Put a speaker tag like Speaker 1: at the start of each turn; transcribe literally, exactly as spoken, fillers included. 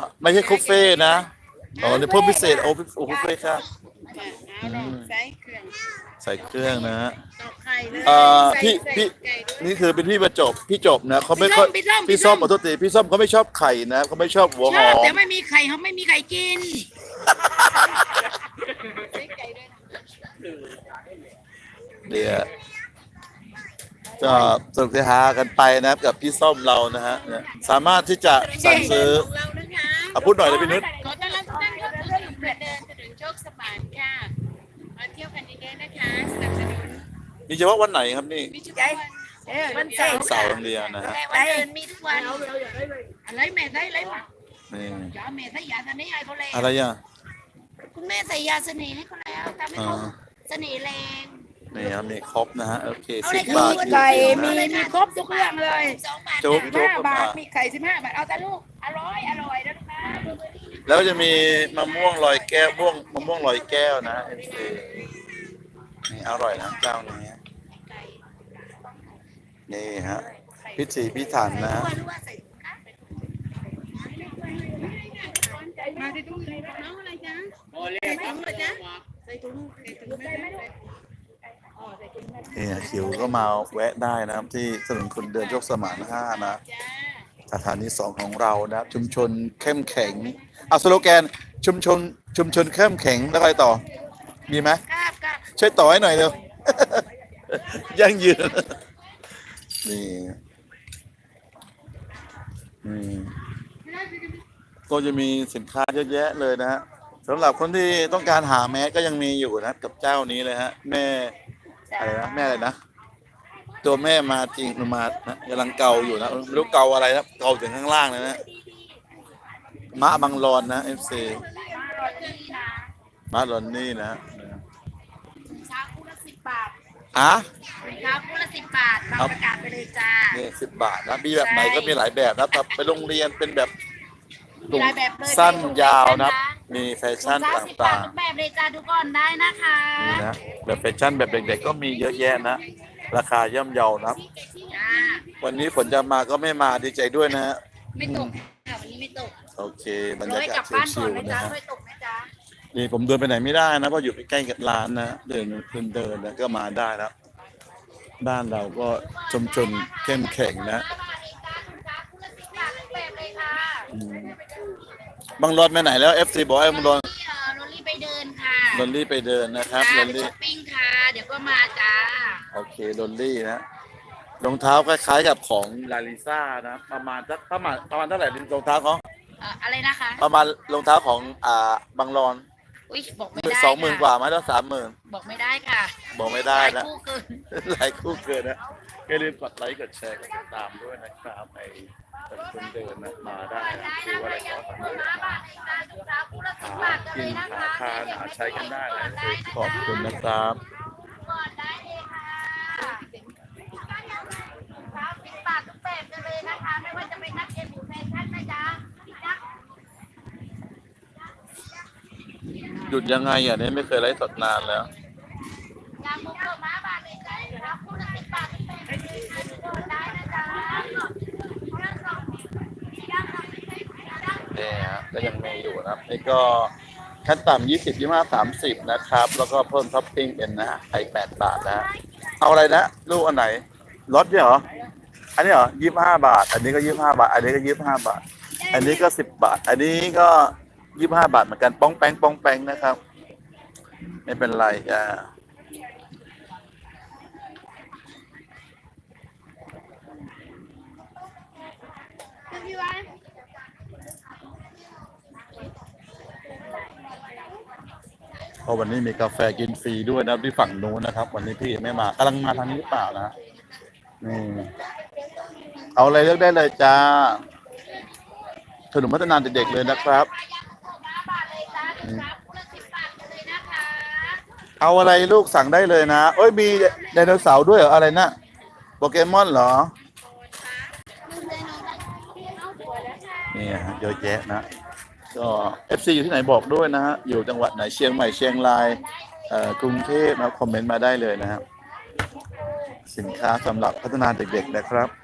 Speaker 1: ไม่ใช่คุฟเฟ่นะอ๋อนี่เพิ่มพิเศษโอ้โอ้คุฟเฟ่ค่ะอืม
Speaker 2: ใส่เครื่อง
Speaker 1: ใส่เครื่องนะฮะ
Speaker 2: ตอกไข่เลย
Speaker 1: เอ่อ
Speaker 2: ใส่
Speaker 1: พี่
Speaker 2: ใส่
Speaker 1: พี่
Speaker 2: ไก่ด้วย
Speaker 1: นี่คือเป็นพี่ประจบพี่จบนะเขาไม่
Speaker 2: พี่
Speaker 1: ค่
Speaker 2: ส้
Speaker 1: อย
Speaker 2: มพี่ส้ม
Speaker 1: พี่ส้มขอโทษทีพี่ส้มเขาไม่ชอบไข่นะเขาไม่ชอบหัวห
Speaker 2: ชอ
Speaker 1: อบ
Speaker 2: แต่
Speaker 1: ม
Speaker 2: ไม่มีไข่เขาไม่มีไข่กินใส่ไก่ด้วยนะ
Speaker 1: เดี๋ยวก็สนุกสนานกันไปนะครับกับพี่ส้มเรานะฮะเนี่ยสามารถที่จะสั่งซื้อ
Speaker 2: ของเรานะคะ
Speaker 1: อ่ะพูดหน่อยเลยพี่นุช
Speaker 2: ขอต้อนรับทุกท่านเข้าสู่ถนนประเดินถนนโชคสมานค่ะมาเที่ยวกันเยอะๆนะคะสนับสนุน
Speaker 1: มีเฉพาะวันไหนครับนี่
Speaker 2: มีทุกวันวันเสาร์
Speaker 1: เสาร์วันเดียวนะฮะ
Speaker 2: แต่วันเดินมีทุกวันอะไรแม่ใส่อะไรมา
Speaker 1: นี่
Speaker 2: ยาแม่ใส่ยาเสน่ห์ให้เขาแล้ว
Speaker 1: อะไรอ่ะ
Speaker 2: คุณแม่ใส่ยาเสน่ห์ให้เขาแล้วทำให้เขาเสน่ห์แรง
Speaker 1: นี่ครับนี่ครบนะฮะโอเค
Speaker 2: เอา
Speaker 1: สิ
Speaker 2: เล
Speaker 1: บ
Speaker 2: ย
Speaker 1: บาท
Speaker 2: ไก่มีมีครบทุกเรื่องเลย
Speaker 1: จุ๊บ
Speaker 2: สิบ
Speaker 1: จุ๊บ
Speaker 2: ห้าบาท
Speaker 1: อ่ะ
Speaker 2: มีไข่สิบห้าบาทเอาแต่ลูกอร่อยอร่อยนะลูกนะ
Speaker 1: แล้วจะมีมะม่วงลอยแก้วม่วงมะม่วงลอยแก้วนะเอฟซีนี่อร่อยนะเจ้านี้นี่ฮะพิถีพิถันนะ
Speaker 2: มาที่ตู้เลยน้องอะไรจ๊ะโอ้เล็กน้องอะไรจ๊ะใส่ถุงใส่ถุงได้ไหมอ๋อใส่ถุงได้
Speaker 1: นี่คิวก็มาแวะได้นะครับที่ถนนคนเดินโชคสมานห้านะ
Speaker 2: จ้า
Speaker 1: สถานีสองของเรานะครับชุมชนเข้มแข็งเอาสโลแกนชุมชนชุมชนเข้มแข็งแล้วอะไรต่อมีไหม
Speaker 2: ครับครับ
Speaker 1: ช่วยต่อให้หน่อยเร็ว ยั่งยืนนี่อืมก็จะมีสินค้าเยอะแยะเลยนะฮะสำหรับคนที่ต้องการหาแมสก็ยังมีอยู่นะกับเจ้านี้เลยฮะ แม่อะไรนะแม่อะไรนะตัวแม่มาจริงมานะกำลังเกาอยู่นะไม่รู้เกาอะไรนะเกาถึงข้างล่างเลยนะมะบังรอนนะเอฟซีมะรอนนี่นะ
Speaker 2: ชาคู่ละสิบบาท
Speaker 1: อ่ะ
Speaker 2: ชาคู่ละสิบบาทเราประกาศไปเลยจ้า
Speaker 1: นี่สิบบาทนะมีแบบไหนก็มีหลายแบบนะแบบไปโรงเรียนเป็นแบบ
Speaker 2: มีหลายแบบเลย
Speaker 1: สั้นยาวนะมีแฟชั่น
Speaker 2: ถุง
Speaker 1: ต
Speaker 2: เท้าสิบบาท่
Speaker 1: าง
Speaker 2: ทุกแบบเลยจ้าทุกคนได้นะคะ
Speaker 1: ๆนี่นะแบบแฟชั่นแบบเด็กๆก็มีเยอะแยะนะราคาย่อมเยานะ
Speaker 2: จ้า
Speaker 1: วันนี้ฝนจะมาก็ไม่มาดีใจด้วยนะฮะ
Speaker 2: ไม่ตกค่ะวันนี้ไม่ตก
Speaker 1: โอเคบรร
Speaker 2: ร้
Speaker 1: ยา
Speaker 2: อย
Speaker 1: กาก
Speaker 2: ลั
Speaker 1: ศ
Speaker 2: บบ้าน
Speaker 1: ชิ
Speaker 2: ก่อน
Speaker 1: ว
Speaker 2: นะ
Speaker 1: ๆนะ
Speaker 2: จ๊ะ
Speaker 1: ฮะ
Speaker 2: ร้อยตกนะจ๊ะ
Speaker 1: นี่ผมเดินไปไหนไม่ได้นะเพราะอยู่ใกล้ๆกับร้านนะเดินเดินเดินนะก็มาได้แล้วบ้านเราก็ชุมชนเข้มแข็งนะอืมบางรอนไปไหนแล้วเอฟซีบอกให้บางรอน
Speaker 2: นี่เออโรลลี่ไปเดินค่ะ
Speaker 1: ลอนลี่ไปเดินนะครับ
Speaker 2: จ้า
Speaker 1: ลอน
Speaker 2: ไป
Speaker 1: ลี่
Speaker 2: ช้อปปิ้งค่ะ เดี๋ยวก็มาจ้า
Speaker 1: โอเคลอนลี่นะรองเท้าคล้ายๆกับของลาลิซ่านะประมาณสักประมาณประมาณเท่าไหร่รองเท้าเขา
Speaker 2: เอ่ออะไรนะคะ
Speaker 1: ประมาณรองเท้าของอ่าบางรอน
Speaker 2: อุ้ยบอกไม่ได้
Speaker 1: สองหมื่น
Speaker 2: ค่ะ
Speaker 1: กว่าไหมแล้วสามหมื่น
Speaker 2: บอกไม่ได้ค่ะ
Speaker 1: บอกไม่ได้นะ
Speaker 2: หลายคู่เกิน
Speaker 1: หลายคู่เกินนะอย่าลืมกดไลค์กดแชร์กดติดตามด้วยนะครับไอ้คนเดินนะมาได้นะคือว่าอะไรก็ทำได้หากินหาทานหาใช้กันได้นะขอบคุณนะครับ
Speaker 2: ก่อนได้เลยค่ะครับสิบบาททุกแบบกันเลยนะคะ ไม่ว่าจะเป็นนักเอ็มหรือแฟชั่นนะจ๊ะนัก
Speaker 1: หยุดยังไงอ่ะเนี่ยไม่เคยไลฟ์สดนานแล้ว
Speaker 2: ยางมุกเกอร์ม้าบาทเลยจ้ะรับคู่ละสิบบาททุกแบบเลยนะคะก่อนได้นะจ๊ะ
Speaker 1: เนี่ยฮะก็ยังมีอยู่นะครับนี่ก็ขั้นต่ำยี่สิบยี่ห้าสามสิบนะครับ แล้วก็เพิ่มท็อปปิ้งเป็นนะฮะไข่แปดบาทนะฮะเอาอะไรนะลูกอันไหนรสเนี่ยเหรออันนี้เหรอยี่ห้าบาท อันนี้ก็ยี่ห้าบาท อันนี้ก็ยี่ห้าบาท อันนี้ก็สิบบาท อันนี้ก็ยี่ห้าบาทเหมือนกันป้องแป้งป้องแป้งนะครับ ไม่เป็นไรจ้าเพราะวันนี้มีกาแฟกินฟรีด้วยนะที่ฝั่งนู้นนะครับ วันนี้พี่ไม่มากำลังมาทางนี้หรือเปล่านะนี่เอาอะไรเลือกได้เลยจ้าขนมพัฒนาเด็กๆเลยนะครับเอาอะไรลูกสั่งได้เลยนะเอ้ยมีไดโนเสาร์ด้วยเหรออะไรนะโปเกมอนเหรอนี่ฮะเยอะแยะนะก็ เอฟ ซี อยู่ที่ไหนบอกด้วยนะฮะอยู่จังหวัดไหนเชียงใหม่เชียงรายกรุงเทพนะคอมเมนต์มาได้เลยนะครับสินค้าสำหรับพัฒนาเด็กๆนะครับ